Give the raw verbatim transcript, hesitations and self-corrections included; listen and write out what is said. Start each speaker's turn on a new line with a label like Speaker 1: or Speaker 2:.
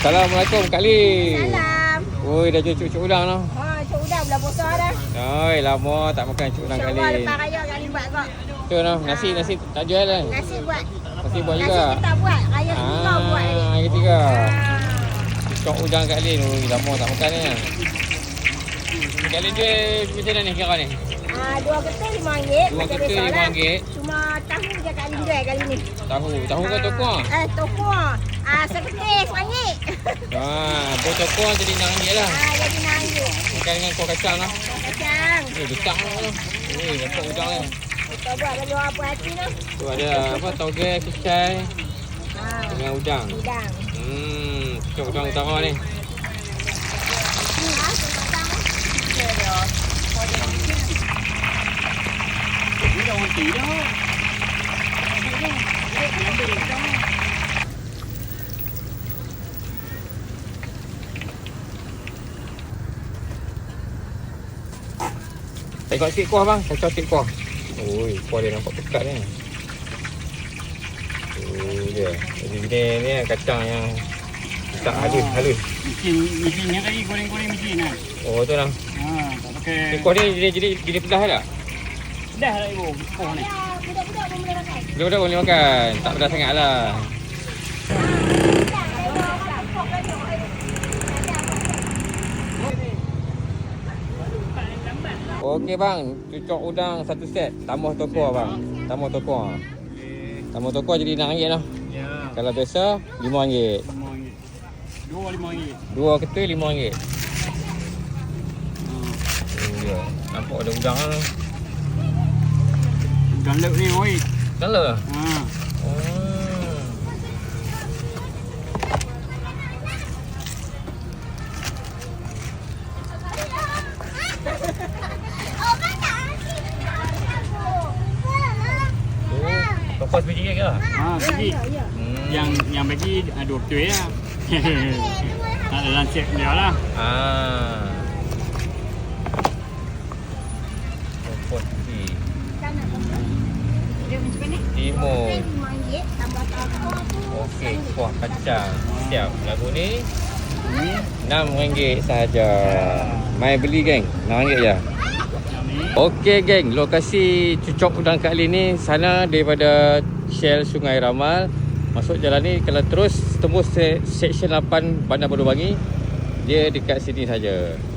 Speaker 1: Assalamualaikum Kak Lin.
Speaker 2: Salam.
Speaker 1: Oi, dah jual cuk-cuk udang dah.
Speaker 2: Ha, cuk udang belah besar dah.
Speaker 1: Oi, lama tak makan cuk udang Kak
Speaker 2: InsyaAllah
Speaker 1: Lin.
Speaker 2: lepas raya Kak Lin buat kok.
Speaker 1: Tu noh, nasi nasi tak jual kan?
Speaker 2: Nasi buat.
Speaker 1: Nasi buat juga.
Speaker 2: Nasi kita buat. Raya ketiga buat tadi.
Speaker 1: Ah, hari ketiga.
Speaker 2: Ah.
Speaker 1: Cuk udang Kak Lin. Oi, lama tak makan ni. Kak Lin jual macam mana ni kira ni?
Speaker 2: Ah, dua ketul lima ringgit.
Speaker 1: Dua
Speaker 2: Macam
Speaker 1: ketul
Speaker 2: biasa
Speaker 1: lima
Speaker 2: lah.
Speaker 1: ringgit.
Speaker 2: Cuma tahu je Kak Lin jual kali ni.
Speaker 1: Tahu, tahu ke toko?
Speaker 2: Eh, toko. Ah, seketul seringgit.
Speaker 1: Ah, buat toko jadi enam ringgit lah.
Speaker 2: Ah, jadi enam ringgit.
Speaker 1: Makan dengan kuah kacang lah.
Speaker 2: Kacang.
Speaker 1: Eh, besar lah. Eh, dapat udang ni.
Speaker 2: Kita buat bagi orang puas hati tu.
Speaker 1: Tu ada apa, toge, kicai
Speaker 2: Ah,
Speaker 1: dengan udang.
Speaker 2: udang.
Speaker 1: Hmm, cuk udang utama ni.
Speaker 2: Ah, kacang.
Speaker 3: Ini dah orang dah.
Speaker 1: Tengok sikit kuah bang, kacau sikit kuah. Oi, kuah dia nampak pekat ni. Oh dia. Jadi ni ni kacang yang tak halus, halus.
Speaker 3: Mesin mesin yang tadi goreng-goreng mesin kan.
Speaker 1: Oh tu lah.
Speaker 3: Ha, tak pakai.
Speaker 1: Ni kuah ni jadi jadi jadi pedas tak?
Speaker 3: Dah lah ibu. Oh ni.
Speaker 2: Ya, budak-budak pun boleh makan.
Speaker 1: Budak-budak boleh makan. Tak pedas sangat lah. Okey bang, cucuk udang satu set. Tambah toko bang. Tambah toko. Tambah toko jadi enam ringgit lah.
Speaker 3: Ya.
Speaker 1: Kalau biasa lima ringgit.
Speaker 3: lima ringgit. Dua lima ringgit.
Speaker 1: Dua ketul lima ringgit.
Speaker 3: Ha.
Speaker 1: Oh dia. Nampak ada udang lah.
Speaker 3: Galak ni oi.
Speaker 1: Salah.
Speaker 3: Ha.
Speaker 1: Oh. Toko sebiji ke?
Speaker 3: Ha, bagi.
Speaker 1: Hmm.
Speaker 3: Yang yang bagi ah, dua betul ya. Tak ada lansir dia lah.
Speaker 1: Ah. Toko sebiji.
Speaker 2: Dia macam ni.
Speaker 1: Timur.
Speaker 2: lima ringgit tambah toko tu.
Speaker 1: Okey, kuah kacang. Siap. Lagu ni
Speaker 3: Ni
Speaker 1: enam ringgit sahaja. Mai beli geng. enam ringgit je.
Speaker 3: yang ni.
Speaker 1: Okey geng, lokasi cucuk udang Kak Lin ni sana daripada Shell Sungai Ramal. Masuk jalan ni kalau terus tembus se- Seksyen lapan Bandar Baru Bangi, dia dekat sini saja.